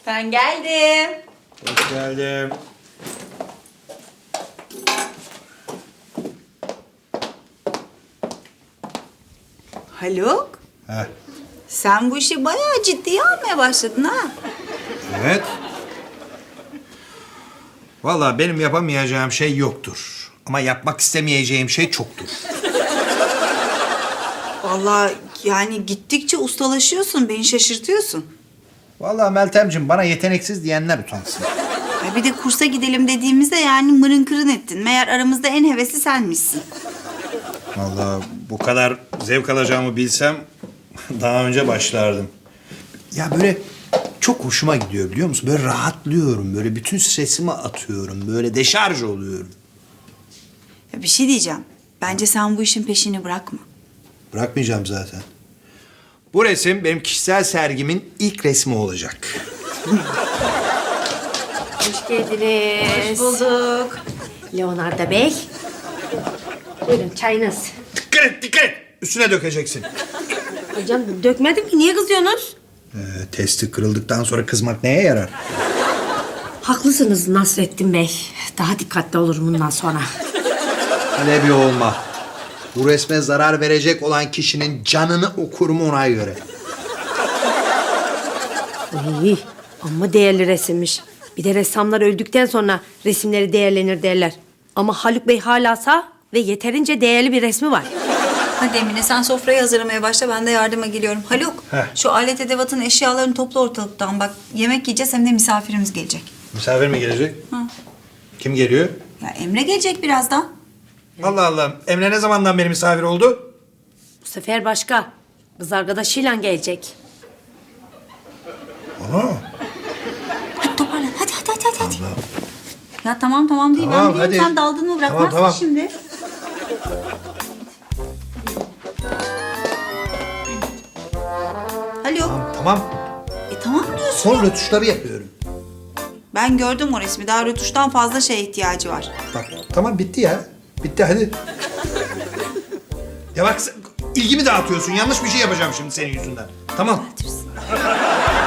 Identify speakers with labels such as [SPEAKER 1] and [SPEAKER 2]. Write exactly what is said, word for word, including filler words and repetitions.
[SPEAKER 1] Ben geldim.
[SPEAKER 2] Hoş geldin.
[SPEAKER 1] Haluk,
[SPEAKER 2] Heh.
[SPEAKER 1] sen bu işi bayağı ciddiye almaya başladın ha.
[SPEAKER 2] Evet. Vallahi benim yapamayacağım şey yoktur. Ama yapmak istemeyeceğim şey çoktur.
[SPEAKER 1] Vallahi yani gittikçe ustalaşıyorsun, beni şaşırtıyorsun.
[SPEAKER 2] Vallahi Meltemciğim bana yeteneksiz diyenler utansın.
[SPEAKER 1] Ay bir de kursa gidelim dediğimizde yani mırın kırın ettin. Meğer aramızda en hevesli senmişsin.
[SPEAKER 2] Vallahi bu kadar zevk alacağımı bilsem daha önce başlardım. Ya böyle çok hoşuma gidiyor biliyor musun? Böyle rahatlıyorum. Böyle bütün stresimi atıyorum. Böyle deşarj oluyorum.
[SPEAKER 1] Ya bir şey diyeceğim. Bence sen bu işin peşini bırakma.
[SPEAKER 2] Bırakmayacağım zaten. Bu resim benim kişisel sergimin ilk resmi olacak.
[SPEAKER 3] Hoş geldiniz.
[SPEAKER 1] Bulduk.
[SPEAKER 3] Leonardo Bey. Buyurun çayınız.
[SPEAKER 2] Dikkat et, dikkat et. Üstüne dökeceksin.
[SPEAKER 3] Hocam dökmedim ki niye kızıyorsunuz?
[SPEAKER 2] Ee, testi kırıldıktan sonra kızmak neye yarar?
[SPEAKER 3] Haklısınız Nasrettin Bey. Daha dikkatli olurum bundan sonra.
[SPEAKER 2] Alevi olma. Bu resme zarar verecek olan kişinin canını okurum ona göre.
[SPEAKER 3] İyi ama değerli resimmiş. Bir de ressamlar öldükten sonra resimleri değerlenir derler. Ama Haluk Bey hala sağ ve yeterince değerli bir resmi var.
[SPEAKER 1] Hadi Emine sen sofrayı hazırlamaya başla, ben de yardıma geliyorum. Haluk,
[SPEAKER 2] Heh.
[SPEAKER 1] şu alet edevatın eşyalarını topla ortalıktan. Bak yemek yiyeceğiz hem de misafirimiz gelecek.
[SPEAKER 2] Misafir mi gelecek?
[SPEAKER 1] Hı.
[SPEAKER 2] Kim geliyor?
[SPEAKER 1] Ya Emre gelecek birazdan.
[SPEAKER 2] Allah Allah. Emre ne zamandan beri misafir oldu?
[SPEAKER 3] Bu sefer başka. Kız arkadaşıyla gelecek.
[SPEAKER 2] Aa,
[SPEAKER 1] Hadi toparlan, hadi hadi hadi hadi. Ya tamam tamam değil,
[SPEAKER 2] Tamam,
[SPEAKER 1] ben biliyorum
[SPEAKER 2] hadi.
[SPEAKER 1] sen daldın mı bırakmazsın
[SPEAKER 2] Tamam, tamam.
[SPEAKER 1] şimdi. Haluk,
[SPEAKER 2] tamam.
[SPEAKER 1] e tamam diyorsun.
[SPEAKER 2] Son rötuşları yapıyorum.
[SPEAKER 1] Ben gördüm o resmi, daha rötuştan fazla şeye ihtiyacı var.
[SPEAKER 2] Bak tamam bitti ya. Bitti hadi. Ya bak sen ilgimi dağıtıyorsun. Yanlış bir şey yapacağım şimdi senin yüzünden. Tamam.